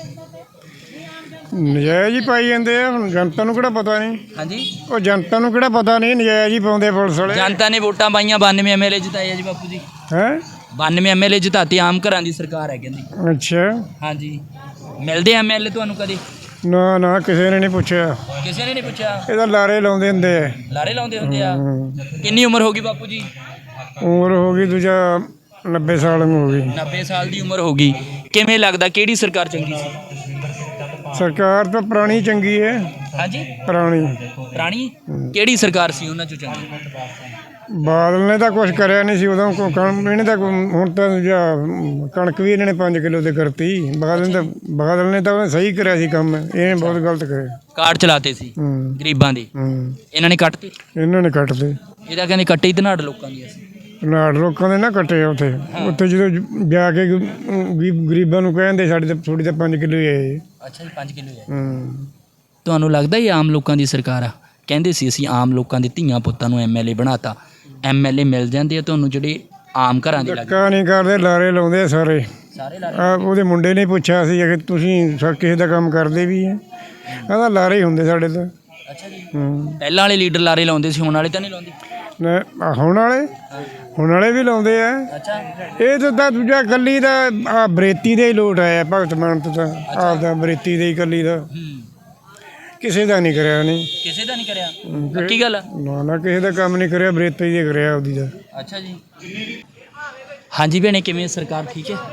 Speaker 1: ਨਜਾਇਜ਼ ਹੀ ਪਾਈ ਜਾਂਦੇ ਆ। ਹੁਣ ਜਨਤਾ ਨੂੰ ਕਿਹੜਾ ਪਤਾ ਨਹੀਂ।
Speaker 2: ਹਾਂਜੀ।
Speaker 1: ਉਹ ਜਨਤਾ ਨੂੰ ਕਿਹੜਾ ਪਤਾ ਨਹੀਂ, ਨਜਾਇਜ਼ ਹੀ ਪਾਉਂਦੇ ਪੁਲਿਸ ਵਾਲੇ।
Speaker 2: ਜਨਤਾ ਨੇ ਵੋਟਾਂ ਪਾਈਆਂ, ਬਾਨਵੇਂ ਐਮਐਲਏ ਜਿਤਾਏ ਆ ਜੀ ਬਾਪੂ ਜੀ।
Speaker 1: ਹੈ
Speaker 2: ਬਾਨਵੇਂ ਐਮਐਲਏ ਜਿਤਾਤੇ, ਆਮ ਘਰਾਂ ਦੀ ਸਰਕਾਰ ਹੈ ਕਹਿੰਦੀ।
Speaker 1: ਅੱਛਾ।
Speaker 2: ਹਾਂਜੀ। ਮਿਲਦੇ ਐਮਐਲਏ ਤੁਹਾਨੂੰ ਕਦੇ?
Speaker 1: ਨਾ ਨਾ ਕਿਸੇ ਨੇ ਨਹੀਂ ਪੁੱਛਿਆ।
Speaker 2: ਕਿਸੇ ਨੇ ਨਹੀਂ ਪੁੱਛਿਆ?
Speaker 1: ਇਹਦਾ ਲਾਰੇ ਲਾਉਂਦੇ ਹੁੰਦੇ ਆ।
Speaker 2: ਲਾਰੇ ਲਾਉਂਦੇ ਹੁੰਦੇ ਆ। ਕਿੰਨੀ ਉਮਰ ਹੋ ਗਈ ਬਾਪੂ ਜੀ?
Speaker 1: ਉਮਰ ਹੋ ਗਈ ਦੂਜਾ ਨੱਬੇ ਸਾਲ ਨੂੰ ਹੋ ਗਈ।
Speaker 2: ਨੱਬੇ ਸਾਲ ਦੀ ਉਮਰ ਹੋ ਗਈ। ਕਿਵੇਂ ਲੱਗਦਾ ਕਿਹੜੀ ਸਰਕਾਰ ਚੰਗੀ ਸੀ?
Speaker 1: ਸਰਕਾਰ ਤਾਂ ਪੁਰਾਣੀ ਚੰਗੀ ਹੈ,
Speaker 2: ਹਾਂਜੀ
Speaker 1: ਪੁਰਾਣੀ।
Speaker 2: ਪੁਰਾਣੀ ਕਿਹੜੀ ਸਰਕਾਰ ਸੀ ਉਹਨਾਂ ਚੋਂ ਚੰਗੀ?
Speaker 1: ਬਾਦਲ ਨੇ ਤਾਂ ਕੁਛ ਕਰਿਆ ਨਹੀਂ ਸੀ ਉਦੋਂ, ਕੋ- ਕਣ ਇਹਨੇ ਤਾਂ ਕੋਈ- ਹੁਣ ਤਾਂ ਜਾਂ ਕਣਕ ਵੀ ਇਹਨਾਂ ਨੇ ਪੰਜ ਕਿਲੋ ਤੇ ਕਰਤੀ। ਬਾਦਲ ਨੇ ਤਾਂ ਬਾਦਲ ਨੇ ਤਾਂ ਸਹੀ ਕਰਿਆ ਸੀ ਕੰਮ, ਇਹਨੇ ਬਹੁਤ ਗਲਤ ਕਰਿਆ।
Speaker 2: ਕਾਰਡ ਚਲਾਤੇ ਸੀ
Speaker 1: ਹੂੰ
Speaker 2: ਗਰੀਬਾਂ ਦੇ,
Speaker 1: ਹੂੰ
Speaker 2: ਇਹਨਾਂ ਨੇ ਕੱਟਤੇ।
Speaker 1: ਇਹਨਾਂ ਨੇ ਕੱਟਦੇ।
Speaker 2: ਇਹਦਾ ਕਹਿੰਦੇ ਕੱਟੇ ਹੀ ਧਨਾੜ ਲੋਕਾਂ ਦੀ ਅਸੀਂ।
Speaker 1: ਨਾੜ ਲੋਕਾਂ ਦੇ ਨਾ ਕੱਟੇ ਉੱਥੇ ਉੱਥੇ ਜਦੋਂ ਜ- ਜਾ ਕੇ ਗ- ਗ- ਗਰੀਬਾਂ ਨੂੰ ਕਹਿੰਦੇ ਸਾਡੇ ਤਾਂ ਥੋੜੀ ਤਾਂ ਪੰਜ ਕਿਲੋ ਹੀ ਆਏ।
Speaker 2: ਅੱਛਾ ਜੀ ਪੰਜ ਕਿਲੋ ਹੈ।
Speaker 1: ਹੂੰ
Speaker 2: ਤੁਹਾਨੂੰ ਲੱਗਦਾ ਇਹ ਆਮ ਲੋਕਾਂ ਦੀ ਸਰਕਾਰ ਆ? ਕਹਿੰਦੇ ਸੀ ਅਸੀਂ ਆਮ ਲੋਕਾਂ ਦੇ ਧੀਆਂ ਪੁੱਤਾਂ ਨੂੰ ਐਮ ਐਲ ਏ ਬਣਾਤਾ। ਐਮ ਐਲ ਏ ਮਿਲ ਜਾਂਦੇ ਆ ਤੁਹਾਨੂੰ ਜਿਹੜੇ ਆਮ ਘਰਾਂ ਦੇ ਲੱਗ
Speaker 1: ਧੱਕਾ ਨਹੀਂ ਕਰਦੇ, ਲਾਰੇ ਲਾਉਂਦੇ ਆ ਸਾਰੇ।
Speaker 2: ਸਾਰੇ
Speaker 1: ਆ ਉਹਦੇ ਮੁੰਡੇ ਨੇ ਪੁੱਛਿਆ ਸੀ ਕਿ ਤੁਸੀਂ ਸਾ ਕਿਸੇ ਦਾ ਕੰਮ ਕਰਦੇ ਵੀ ਹੈ? ਕਹਿੰਦਾ ਲਾਰੇ ਹੀ ਹੁੰਦੇ ਸਾਡੇ ਤਾਂ।
Speaker 2: ਅੱਛਾ ਜੀ
Speaker 1: ਹੂੰ
Speaker 2: ਪਹਿਲਾਂ ਵਾਲੇ ਲੀਡਰ ਲਾਰੇ ਲਾਉਂਦੇ ਸੀ, ਹੁਣ ਵਾਲੇ ਤਾਂ ਨਹੀਂ ਲਾਉਂਦੇ।
Speaker 1: ਨਾ ਆਹ ਹੁਣ ਵਾਲੇ ਹੁਣ ਵਾਲੇ ਵੀ ਲਾਉਂਦੇ ਆ।
Speaker 2: ਅੱਛਾ
Speaker 1: ਇਹ ਤਾਂ ਤਾਂ ਦੂਜਾ ਕੱਲੀ ਦਾ ਆ ਬਰੇਤੀ ਦੇ ਹੀ ਲੋਟ ਆਇਆ ਭਗਤ ਮਾਨ ਤੋਂ, ਤਾਂ ਆਪਦਾ ਬਰੇਤੀ ਦੇ ਹੀ ਕੱਲੀ ਦਾ,
Speaker 2: ਹੂੰ
Speaker 1: ਕਿਸੇ ਦਾ ਨਹੀਂ ਕਰਿਆ ਉਹਨੇ।
Speaker 2: ਕਿਸੇ ਦਾ ਨਹੀਂ ਕਰਿਆ, ਪੱਕੀ ਗੱਲ ਆ।
Speaker 1: ਨਾ ਨਾ ਕਿਸੇ ਦਾ ਕੰਮ ਨਹੀਂ ਕਰਿਆ, ਬਰੇਤੀ ਦੇ ਕਰਿਆ ਉਹਦੀ ਦਾ।
Speaker 2: ਅੱਛਾ ਜੀ ਹਾਂਜੀ ਭੈਣੇ, ਕਿਵੇਂ ਸਰਕਾਰ ਠੀਕ ਹੈ?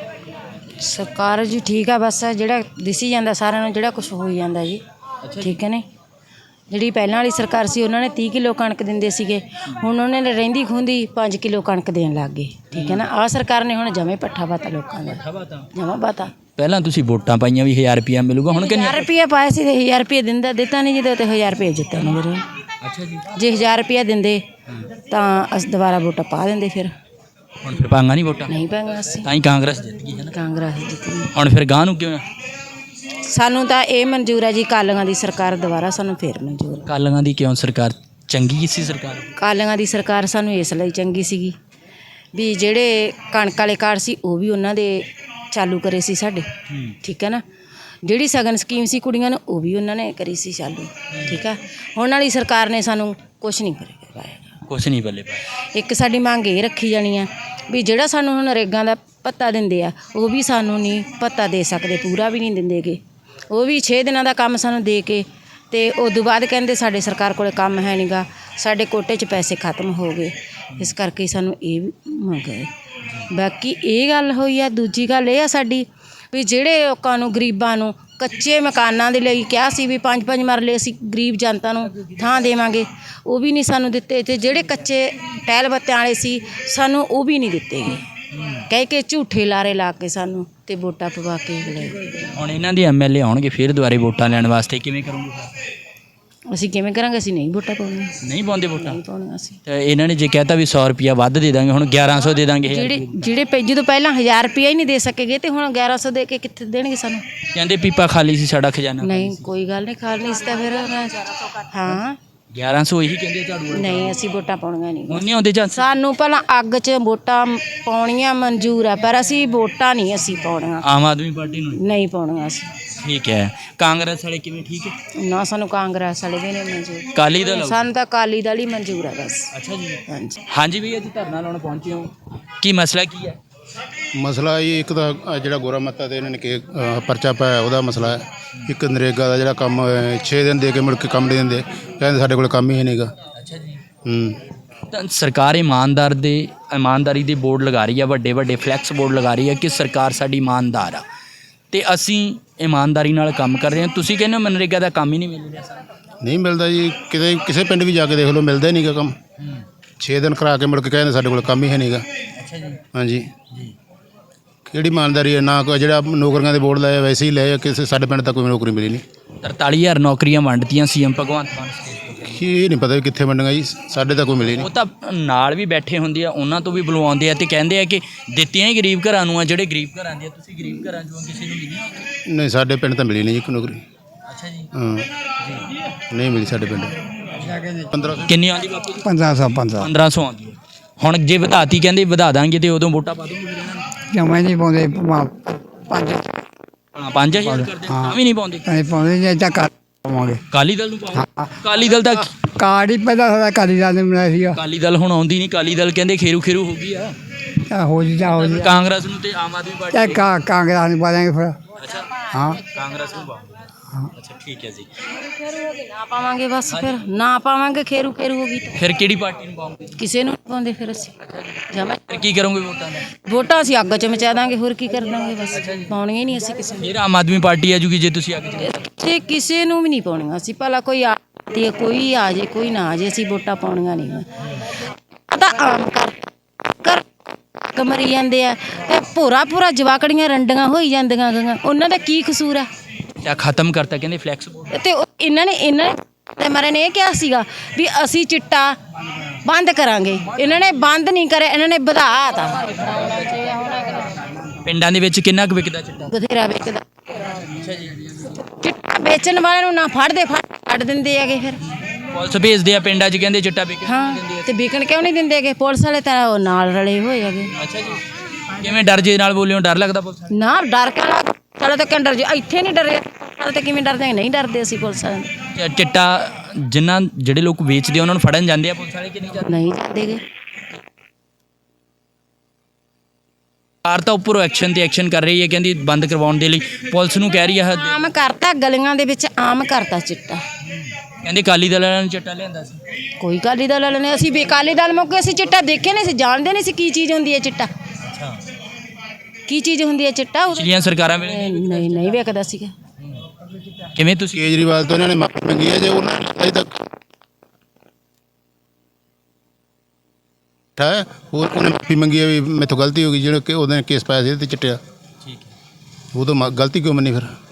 Speaker 3: ਸਰਕਾਰ ਜੀ ਠੀਕ ਆ, ਬਸ ਜਿਹੜਾ ਦਿਸੀ ਜਾਂਦਾ ਸਾਰਿਆਂ ਨੂੰ, ਜਿਹੜਾ ਕੁਝ ਹੋਈ ਜਾਂਦਾ ਜੀ। ਠੀਕ ਹੈ ਨੇ। ਜਿਹੜੀ ਪਹਿਲਾਂ ਵਾਲੀ ਸਰਕਾਰ ਸੀ ਉਹਨਾਂ ਨੇ ਤੀਹ ਕਿਲੋ ਕਣਕ ਦਿੰਦੇ ਸੀਗੇ, ਹੁਣ ਉਹਨਾਂ ਨੇ ਰਹਿੰਦੀ ਖੁੰਦੀ ਪੰਜ ਕਿਲੋ ਕਣਕ ਦੇਣ ਲੱਗ ਗਏ। ਠੀਕ ਹੈ ਨਾ। ਆਹ ਸਰਕਾਰ ਨੇ ਹੁਣ ਜਮੇ ਪੱਠਾ ਪਾਤਾ ਲੋਕਾਂ ਦਾ, ਜਮਾ ਪਾਤਾ।
Speaker 2: ਪਹਿਲਾਂ ਤੁਸੀਂ ਵੋਟਾਂ ਪਾਈਆਂ ਵੀ ਹਜ਼ਾਰ ਰੁਪਇਆ ਮਿਲੂਗਾ, ਹੁਣ ਕਿੰਨੇ?
Speaker 3: ਹਜ਼ਾਰ ਰੁਪਇਆ ਪਾਇਆ ਸੀ ਤੇ ਹਜ਼ਾਰ ਰੁਪਇਆ ਦਿੰਦਾ ਦਿੱਤਾ ਨਹੀਂ, ਜਦੋਂ ਤੇ ਹਜ਼ਾਰ ਰੁਪਇਆ ਜਿੱਤਿਆ ਨਹੀਂ ਵੀਰੇ।
Speaker 2: ਅੱਛਾ ਜੀ
Speaker 3: ਜੇ ਹਜ਼ਾਰ ਰੁਪਇਆ ਦਿੰਦੇ ਤਾਂ ਅਸੀਂ ਦੁਬਾਰਾ ਵੋਟਾਂ ਪਾ ਦਿੰਦੇ, ਫਿਰ
Speaker 2: ਹੁਣ ਫਿਰ ਪਾਂਗਾ ਨਹੀਂ ਵੋਟਾਂ,
Speaker 3: ਨਹੀਂ ਪਾਂਗੇ ਅਸੀਂ।
Speaker 2: ਤਾਂ ਹੀ ਕਾਂਗਰਸ ਜਿੱਤ ਗਈ ਹੈ ਨਾ।
Speaker 3: ਕਾਂਗਰਸ ਜਿੱਤੀ।
Speaker 2: ਹੁਣ ਫਿਰ ਗਾਂ ਨੂੰ ਕਿਉਂ?
Speaker 3: ਸਾਨੂੰ ਤਾਂ ਇਹ ਮਨਜ਼ੂਰ ਹੈ ਜੀ, ਕਾਲੀਆਂ ਦੀ ਸਰਕਾਰ ਦੁਬਾਰਾ ਸਾਨੂੰ ਫੇਰ ਮਨਜ਼ੂਰ ਹੈ।
Speaker 2: ਕਾਲੀਆਂ ਦੀ ਕਿਉਂ ਸਰਕਾਰ ਚੰਗੀ ਸੀ ਸਰਕਾਰ?
Speaker 3: ਕਾਲੀਆਂ ਦੀ ਸਰਕਾਰ ਸਾਨੂੰ ਇਸ ਲਈ ਚੰਗੀ ਸੀਗੀ ਵੀ ਜਿਹੜੇ ਕਣਕ ਵਾਲੇ ਕਾਰਡ ਸੀ ਉਹ ਵੀ ਉਹਨਾਂ ਦੇ ਚਾਲੂ ਕਰੇ ਸੀ ਸਾਡੇ। ਠੀਕ ਹੈ ਨਾ। ਜਿਹੜੀ ਸਗਨ ਸਕੀਮ ਸੀ ਕੁੜੀਆਂ ਨੂੰ ਉਹ ਵੀ ਉਹਨਾਂ ਨੇ ਕਰੀ ਸੀ ਚਾਲੂ। ਠੀਕ ਆ। ਹੁਣ ਵਾਲੀ ਸਰਕਾਰ ਨੇ ਸਾਨੂੰ ਕੁਛ ਨਹੀਂ ਕਰਿਆ ਪਾਇਆ,
Speaker 2: ਕੁਛ ਨਹੀਂ ਬੱਲੇ ਪਾਇਆ।
Speaker 3: ਇੱਕ ਸਾਡੀ ਮੰਗ ਇਹ ਰੱਖੀ ਜਾਣੀ ਆ ਵੀ ਜਿਹੜਾ ਸਾਨੂੰ ਹੁਣ ਨਰੇਗਾ ਦਾ ਭੱਤਾ ਦਿੰਦੇ ਆ ਉਹ ਵੀ ਸਾਨੂੰ ਨਹੀਂ ਭੱਤਾ ਦੇ ਸਕਦੇ, ਪੂਰਾ ਵੀ ਨਹੀਂ ਦਿੰਦੇ ਗੇ। ਉਹ ਵੀ ਛੇ ਦਿਨਾਂ ਦਾ ਕੰਮ ਸਾਨੂੰ ਦੇ ਕੇ ਤੇ ਉਦੋਂ ਬਾਅਦ ਕਹਿੰਦੇ ਸਾਡੇ ਸਰਕਾਰ ਕੋਲੇ ਕੰਮ ਹੈ ਨਹੀਂ ਗਾ, ਸਾਡੇ ਕੋਟੇ 'ਚ ਪੈਸੇ ਖਤਮ ਹੋ ਗਏ। ਇਸ ਕਰਕੇ ਸਾਨੂੰ ਇਹ ਵੀ ਮੰਗ ਹੈ। ਬਾਕੀ ਇਹ ਗੱਲ ਹੋਈ ਆ। ਦੂਜੀ ਗੱਲ ਇਹ ਆ ਸਾਡੀ ਵੀ ਜਿਹੜੇ ਲੋਕਾਂ ਨੂੰ ਗਰੀਬਾਂ ਨੂੰ ਕੱਚੇ ਮਕਾਨਾਂ ਦੇ ਲਈ ਕਿਹਾ ਸੀ ਵੀ ਪੰਜ ਪੰਜ ਮਰਲੇ ਅਸੀਂ ਗਰੀਬ ਜਨਤਾ ਨੂੰ ਥਾਂ ਦੇਵਾਂਗੇ, ਉਹ ਵੀ ਨਹੀਂ ਸਾਨੂੰ ਦਿੱਤੇ। ਤੇ ਜਿਹੜੇ ਕੱਚੇ ਟਹਿਲ ਬੱਤਿਆਂ ਵਾਲੇ ਸੀ ਸਾਨੂੰ ਉਹ ਵੀ ਨਹੀਂ ਦਿੱਤੇ ਗਏ, ਕਹਿ ਕੇ ਝੂਠੇ ਲਾਰੇ ਲਾ ਕੇ ਸਾਨੂੰ ਤੇ ਵੋਟਾਂ ਪਵਾ ਕੇ ਗਏ।
Speaker 2: ਹੁਣ ਇਹਨਾਂ ਦੇ ਐਮ ਐਲ ਏ ਆਉਣਗੇ ਫਿਰ ਦੁਬਾਰੇ ਵੋਟਾਂ ਲੈਣ ਵਾਸਤੇ, ਕਿਵੇਂ ਕਰੋਗੇ?
Speaker 3: ਅਸੀਂ ਕਿਵੇਂ ਕਰਾਂਗੇ? ਅਸੀਂ ਨਹੀਂ ਵੋਟਾਂ ਪਾਉਣੀਆਂ,
Speaker 2: ਨਹੀਂ ਪਾਉਂਦੇ ਵੋਟਾਂ?
Speaker 3: ਨਹੀਂ ਪਾਉਣੀਆਂ ਅਸੀਂ।
Speaker 2: ਤੇ ਇਹਨਾਂ ਨੇ ਜੇ ਕਹਿਤਾ ਵੀ ਸੌ ਰੁਪਿਆ ਵੱਧ ਦੇ ਦਾਂਗੇ, ਹੁਣ ਗਿਆਰਾਂ ਸੌ ਦੇ ਦਾਂਗੇ।
Speaker 3: ਜਿਹੜੇ ਜਿਹੜੇ ਪੈ- ਜਦੋਂ ਪਹਿਲਾਂ ਹਜ਼ਾਰ ਰੁਪਇਆ ਹੀ ਨਹੀਂ ਦੇ ਸਕੇਗੇ ਤੇ ਹੁਣ ਗਿਆਰਾਂ ਸੌ ਦੇ ਕੇ ਕਿੱਥੇ ਦੇਣਗੇ ਸਾਨੂੰ?
Speaker 2: ਕਹਿੰਦੇ ਪੀਪਾ ਖਾਲੀ ਸੀ ਸਾਡਾ ਖਜ਼ਾਨਾ।
Speaker 3: ਨਹੀਂ ਕੋਈ ਗੱਲ ਨਹੀਂ, ਖਾਲ ਨਹੀਂ ਸੀ ਤਾਂ ਫਿਰ ਹਾਂ
Speaker 2: ਗਿਆਰਾਂ ਸੌ ਇਹੀ ਕਹਿੰਦੇ ਝਾੜੂ ਵਾਲੇ।
Speaker 3: ਨਹੀਂ ਅਸੀਂ ਵੋਟਾਂ ਪਾਉਣੀਆਂ ਨਹੀਂ।
Speaker 2: ਹੁਣ ਨਹੀਂ ਆਉਂਦੇ ਚਾਂਸ?
Speaker 3: ਸਾਨੂੰ ਪਹਿਲਾਂ ਅੱਗ 'ਚ ਵੋਟਾਂ ਪਾਉਣੀਆਂ ਮਨਜ਼ੂਰ ਆ, ਪਰ ਅਸੀਂ ਵੋਟਾਂ ਨਹੀਂ ਅਸੀਂ ਪਾਉਣੀਆਂ,
Speaker 2: ਆਮ ਆਦਮੀ ਪਾਰਟੀ ਨੂੰ?
Speaker 3: ਨਹੀਂ ਪਾਉਣੀਆਂ ਅਸੀਂ।
Speaker 2: ਠੀਕ ਹੈ। ਕਾਂਗਰਸ ਵਾਲੇ ਕਿਵੇਂ ਠੀਕ ਹੈ?
Speaker 3: ਨਾ ਸਾਨੂੰ ਕਾਂਗਰਸ ਵਾਲੇ ਵੀ ਨਹੀਂ ਮਨਜ਼ੂਰ,
Speaker 2: ਕਾਲੀ ਦਲ?
Speaker 3: ਸਾਨੂੰ ਤਾਂ ਅਕਾਲੀ ਦਲ ਹੀ ਮਨਜ਼ੂਰ ਆ ਬਸ।
Speaker 2: ਅੱਛਾ ਜੀ।
Speaker 3: ਹਾਂਜੀ
Speaker 2: ਹਾਂਜੀ ਵੀ ਅੱਜ ਧਰਨਾ ਲਾਉਣ ਪਹੁੰਚੇ ਹੋ, ਕੀ ਮਸਲਾ ਕੀ ਹੈ?
Speaker 8: ਮਸਲਾ ਇਹ ਇੱਕ ਤਾਂ ਆਹ ਜਿਹੜਾ ਗੋਰਾ ਮੱਤਾ ਤੇ ਇਹਨਾਂ ਨੇ ਕਿ ਅਹ, ਪਰਚਾ ਪਾਇਆ ਉਹਦਾ ਮਸਲਾ ਹੈ। ਇੱਕ ਨਰੇਗਾ ਦਾ ਜਿਹੜਾ ਕੰਮ ਛੇ ਦਿਨ ਦੇ ਕੇ ਮੁੜ ਕੇ ਕੰਮ ਨਹੀਂ ਦਿੰਦੇ, ਕਹਿੰਦੇ ਸਾਡੇ ਕੋਲ ਕੰਮ ਹੀ ਨਹੀਂਗਾ।
Speaker 2: ਅੱਛਾ ਜੀ।
Speaker 8: ਹੂੰ
Speaker 2: ਤਾਂ ਸਰਕਾਰ ਇਮਾਨਦਾਰ ਦੇ ਇਮਾਨਦਾਰੀ ਦੇ ਬੋਰਡ ਲਗਾ ਰਹੀ ਹੈ, ਵੱਡੇ ਵੱਡੇ ਫਲੈਕਸ ਬੋਰਡ ਲਗਾ ਰਹੀ ਹੈ ਕਿ ਸਰਕਾਰ ਸਾਡੀ ਇਮਾਨਦਾਰ ਆ ਤੇ ਅਸੀਂ ਇਮਾਨਦਾਰੀ ਨਾਲ ਕੰਮ ਕਰ ਰਹੇ ਹਾਂ। ਤੁਸੀਂ ਕਹਿੰਦੇ ਹੋ ਮਨਰੇਗਾ ਦਾ ਕੰਮ ਹੀ ਨਹੀਂ ਮਿਲ ਰਿਹਾ ਸਾਨੂੰ?
Speaker 8: ਨਹੀਂ ਮਿਲਦਾ ਜੀ, ਕਿਤੇ ਕਿਸੇ ਪਿੰਡ ਵੀ ਜਾ ਕੇ ਦੇਖ ਲਓ, ਮਿਲਦਾ ਹੀ ਨਹੀਂਗਾ ਕੰਮ। ਛੇ ਦਿਨ ਕਰਾ ਕੇ ਮੁੜ ਕੇ ਕਹਿੰਦੇ ਸਾਡੇ ਕੋਲ ਕੰਮ ਹੀ ਹੈ ਨਹੀਂਗਾ।
Speaker 2: ਅੱਛਾ ਜੀ।
Speaker 8: ਹਾਂਜੀ ਕਿਹੜੀ ਇਮਾਨਦਾਰੀ ਹੈ? ਨਾ ਕੋਈ ਜਿਹੜਾ ਨੌਕਰੀਆਂ ਦੇ ਬੋਰਡ ਲਾਇਆ ਵੈਸੇ ਹੀ ਲਾਇਆ, ਕਿਸੇ ਸਾਡੇ ਪਿੰਡ ਤਾਂ ਕੋਈ ਨੌਕਰੀ ਮਿਲੀ ਨਹੀਂ।
Speaker 2: ਤਰਤਾਲੀ ਹਜ਼ਾਰ ਨੌਕਰੀਆਂ ਵੰਡਤੀਆਂ ਸੀਐਮ ਭਗਵੰਤ ਮਾਨ ਸਟੇਜ ਤੋਂ।
Speaker 8: ਕੀ ਇਹ ਨਹੀਂ ਪਤਾ ਵੀ ਕਿੱਥੇ ਵੰਡੀਆਂ ਜੀ, ਸਾਡੇ ਤਾਂ ਕੋਈ ਮਿਲੀ ਨਹੀਂ।
Speaker 2: ਉਹ ਤਾਂ ਨਾਲ ਵੀ ਬੈਠੇ ਹੁੰਦੇ ਆ, ਉਹਨਾਂ ਤੋਂ ਵੀ ਬੁਲਵਾਉਂਦੇ ਆ ਤੇ ਕਹਿੰਦੇ ਆ ਕਿ ਦਿੱਤੀਆਂ ਹੀ ਗਰੀਬ ਘਰਾਂ ਨੂੰ ਆ, ਜਿਹੜੇ ਗਰੀਬ ਘਰਾਂ ਦੇ ਆ। ਤੁਸੀਂ ਗਰੀਬ ਘਰਾਂ ਚੋਂ ਕਿਸੇ ਨੂੰ ਮਿਲੀ ਨੌਕਰੀ?
Speaker 8: ਨਹੀਂ ਸਾਡੇ ਪਿੰਡ ਤਾਂ ਮਿਲੀ ਨਹੀਂ ਜੀ ਕੋਈ ਨੌਕਰੀ।
Speaker 2: ਅੱਛਾ ਜੀ।
Speaker 8: ਹਾਂ ਨਹੀਂ ਮਿਲੀ ਸਾਡੇ ਪਿੰਡ। ਪੰਦਰਾਂ ਸੌ
Speaker 2: ਕਿੰਨੀ ਆਉਂਦੀ ਬਾਪੂ ਜੀ?
Speaker 1: ਪੰਦਰਾਂ ਸੌ ਪੰਦਰਾਂ
Speaker 2: ਪੰਦਰਾਂ ਸੌ ਆਉਂਦੀ ਹੈ। ਹੁਣ ਜੇ ਵਧਾਤੀ ਕਹਿੰਦੇ ਵਧਾ ਦਾਂਗੇ ਤੇ ਉਦੋਂ ਵੋਟਾਂ ਪਾ ਦੂੰਗੇ ਇਹਨਾਂ ਨੂੰ?
Speaker 1: ਜਮਾਂ ਨਹੀਂ ਪਾਉਂਦੇ ਪੰਜ
Speaker 2: ਹਾਂ ਪੰਜ ਹਜ਼ਾਰ ਕਰਦੇ ਤਾਂ ਵੀ ਨਹੀਂ ਪਾਉਂਦੇ?
Speaker 1: ਨਹੀਂ ਪਾਉਂਦੇ ਜੇ ਤਾਂ ਕਰ ਪਾਵਾਂਗੇ।
Speaker 2: ਕਾਲੀ ਦਲ ਨੂੰ ਪਾਓ। ਕਾਲੀ ਦਲ ਤਾਂ
Speaker 1: ਕਾਰਡ ਹੀ ਪਹਿਲਾਂ ਸਾਡਾ ਕਾਲੀ ਦਲ ਨੇ ਬਣਾਇਆ ਸੀਗਾ।
Speaker 2: ਕਾਲੀ ਦਲ ਹੁਣ ਆਉਂਦੀ ਨਹੀਂ। ਕਾਲੀ ਦਲ ਕਹਿੰਦੇ ਖੇਰੂ ਖੇਰੂ ਹੋ ਗਈ ਆ।
Speaker 1: ਤਾਂ ਹੋ ਜੀ ਤਾਂ ਹੋ ਜੀ
Speaker 2: ਕਾਂਗਰਸ ਨੂੰ ਤੇ ਆਮ ਆਦਮੀ
Speaker 1: ਚਾਹੇ
Speaker 2: ਪਾਰਟੀ।
Speaker 1: ਕਾ ਕਾਂਗਰਸ ਨੂੰ ਪਾ ਦਾਂਗੇ ਫਿਰ।
Speaker 2: ਅੱਛਾ
Speaker 1: ਹਾਂ
Speaker 2: ਕਾਂਗਰਸ ਨੂੰ ਪਾਓ। ਅੱਛਾ ਠੀਕ ਹੈ ਜੀ।
Speaker 3: ਖੇਰੂ ਹੋ ਗਈ ਨਾ ਪਾਵਾਂਗੇ ਬਸ ਫਿਰ ਨਾ ਪਾਵਾਂਗੇ ਖੇਰੂ ਖੇਰੂ ਹੋ ਗਈ ਤਾਂ
Speaker 2: ਫਿਰ ਕਿਹੜੀ ਪਾਰਟੀ ਨੂੰ ਪਾਉਂਗੇ?
Speaker 3: ਕਿਸੇ ਨੂੰ ਨਹੀਂ ਪਾਉਂਦੇ ਫਿਰ ਅਸੀਂ ਜਮਾ
Speaker 2: ਫਿਰ ਕੀ ਕਰੋਗੇ ਵੋਟਾਂ ਦਾ?
Speaker 3: ਵੋਟਾਂ ਅਸੀਂ ਅੱਗ 'ਚ ਮਚਾ ਦਾਂਗੇ ਹੋਰ ਕੀ ਕਰ ਦਾਂਗੇ ਬਸ ਪਾਉਣੀਆਂ ਹੀ ਨਹੀਂ ਅਸੀਂ ਕਿਸੇ ਨੂੰ
Speaker 2: ਫਿਰ ਆਮ ਆਦਮੀ ਪਾਰਟੀ ਆ ਜੂਗੀ ਜੇ ਤੁਸੀਂ ਅੱਗੇ
Speaker 3: ਤੇ ਕਿਸੇ ਨੂੰ ਵੀ ਨਹੀਂ ਪਾਉਣੀਆਂ ਅਸੀਂ ਭਲਾ ਕੋਈ ਆ ਤੇ ਕੋਈ ਆ ਜੇ ਕੋਈ ਨਾ ਆ ਜੇ ਅਸੀਂ ਵੋਟਾਂ ਪਾਉਣੀਆਂ ਨਹੀਂ ਆ ਤਾਂ ਆਮ ਕਰ ਕਰ ਕਮਰੀ ਜਾਂਦੇ ਆ ਤੇ ਪੂਰਾ ਪੂਰਾ ਜਵਾਕੜੀਆਂ ਰੰਡੀਆਂ ਹੋਈ ਜਾਂਦੀਆਂ ਗੀਆਂ ਉਹਨਾਂ ਦਾ ਕੀ ਕਸੂਰ ਆ?
Speaker 2: ਜਾਂ ਖਤਮ ਕਰਤਾ ਕਹਿੰਦੇ ਫਲੈਕਸ ਬੋਰਡ।
Speaker 3: ਤੇ ਉਹ ਇਹਨਾਂ ਨੇ ਇਹਨਾਂ ਨੇ ਤੇ ਮਰੇ ਨੇ ਇਹ ਕਿਹਾ ਸੀਗਾ ਵੀ ਅਸੀਂ ਚਿੱਟਾ ਬੰਦ ਕਰਾਂਗੇ ਇਹਨਾਂ ਨੇ ਬੰਦ ਨਹੀਂ ਕਰਿਆ ਇਹਨਾਂ ਨੇ ਵਧਾਤਾ
Speaker 2: ਪਿੰਡਾਂ ਦੇ ਵਿੱਚ ਕਿੰਨਾ ਕੁ ਵਿਕਦਾ ਚਿੱਟਾ?
Speaker 3: ਬਥੇਰਾ ਵੇਚਦਾ ਚਿੱਟਾ ਵੇਚਣ ਵਾਲਿਆਂ ਨੂੰ ਨਾ ਫੜਦੇ ਫੜ ਛੱਡ ਦਿੰਦੇ ਹੈਗੇ ਫਿਰ
Speaker 2: ਪੁਲਿਸ ਭੇਜਦੇ ਆ ਪਿੰਡਾਂ 'ਚ ਕਹਿੰਦੇ ਚਿੱਟਾ ਵਿਕ
Speaker 3: ਹਾਂ ਤੇ ਵਿਕਣ ਕਿਉਂ ਨਹੀਂ ਦਿੰਦੇ ਹੈਗੇ ਪੁਲਿਸ ਵਾਲੇ ਤਾਂ ਉਹ ਨਾਲ ਰਲੇ ਹੋਏ ਹੈਗੇ
Speaker 2: ਅੱਛਾ ਜੀ। ਕਿਵੇਂ ਡਰ ਜੇ ਨਾਲ ਬੋਲਿਓ ਡਰ ਲੱਗਦਾ ਪੁਲਿਸ ਵਾਲਿਆਂ
Speaker 3: ਨਾ ਡਰ ਕੇ ਲੱਗ ਚਲੋ ਤਾਂ ਕਿਉਂ ਡਰ ਜੇ ਇੱਥੇ ਨਹੀਂ ਡਰੇ ਚਲੋ ਤਾਂ ਕਿਵੇਂ ਡਰਦੇ ਨਹੀਂ ਡਰਦੇ ਅਸੀਂ ਪੁਲਿਸ ਵਾਲਿਆਂ ਤੋਂ।
Speaker 2: ਨੂੰ? ਚਿੱਟਾ ਜਿਨ੍ਹਾਂ ਜਿਹੜੇ ਲੋਕ ਵੇਚਦੇ ਆ ਉਹਨਾਂ ਨੂੰ ਫੜਨ ਜਾਂਦੇ ਆ ਪੁਲਿਸ ਵਾਲੇ ਕਿ ਨਹੀਂ ਜਾਂਦੇ?
Speaker 3: ਨਹੀਂ ਜਾਂਦੇ ਗੇ
Speaker 2: ਸਰਕਾਰ ਤਾਂ ਉੱਪਰੋਂ ਐਕਸ਼ਨ ਤੇ ਐਕਸ਼ਨ ਕਰ ਰਹੀ ਹੈ ਕਹਿੰਦੀ ਬੰਦ ਕਰਵਾਉਣ ਦੇ ਲਈ ਪੁਲਿਸ ਨੂੰ ਕਹਿ ਰਹੀ ਹੈ
Speaker 3: ਆਮ ਕਰਤਾ ਗਲੀਆਂ ਦੇ ਵਿੱਚ ਆਮ ਕਰਤਾ ਚਿੱਟਾ
Speaker 2: ਕਹਿੰਦੇ ਅਕਾਲੀ ਦਲ ਵਾਲਿਆਂ ਨੂੰ ਚਿੱਟਾ ਲਿਆਂਦਾ ਸੀ।
Speaker 3: ਕੋਈ ਅਕਾਲੀ ਦਲ ਵਾਲੇ ਨੇ ਅਸੀਂ ਵੀ ਅਕਾਲੀ ਦਲ ਮੌਕੇ ਅਸੀਂ ਚਿੱਟਾ ਦੇਖੇ ਨਹੀਂ ਸੀ ਜਾਣਦੇ ਨਹੀਂ ਸੀ ਕੀ ਚੀਜ਼ ਹੁੰਦੀ ਹੈ ਚਿੱਟਾ
Speaker 2: ਅੱਛਾ
Speaker 3: ਕੀ ਚੀਜ਼ ਹੁੰਦੀ ਹੈ ਚਿੱਟਾ ਉਦੋਂ-
Speaker 2: ਪਿਛਲੀਆਂ ਸਰਕਾਰਾਂ ਵੇਲੇ
Speaker 3: ਨਹੀਂ ਨਹੀਂ ਵੇਖਦਾ ਸੀਗਾ
Speaker 2: ਕਿਵੇਂ ਤੁਸੀਂ
Speaker 8: ਕੇਜਰੀਵਾਲ ਤੋਂ ਇਹਨਾਂ ਨੇ ਮਾਫੀ ਮੰਗੀ ਹੈ ਜੇ ਉਹਨਾਂ ਨੇ ਅਜੇ ਤੱਕ ਹੈ ਹੋਰ ਉਹਨੇ ਮਾਫੀ ਮੰਗੀ ਹੈ ਵੀ ਮੈਥੋਂ ਗਲਤੀ ਹੋ ਗਈ ਜਿਹੜਾ ਕਿ ਉਹਨੇ ਕੇਸ ਪਾਇਆ ਸੀ ਤੇ ਚਿੱਟਿਆ
Speaker 2: ਠੀਕ ਹੈ
Speaker 8: ਉਹ ਤੋਂ ਮ- ਗਲਤੀ ਕਿਉਂ ਮੰਨੀ ਫਿਰ?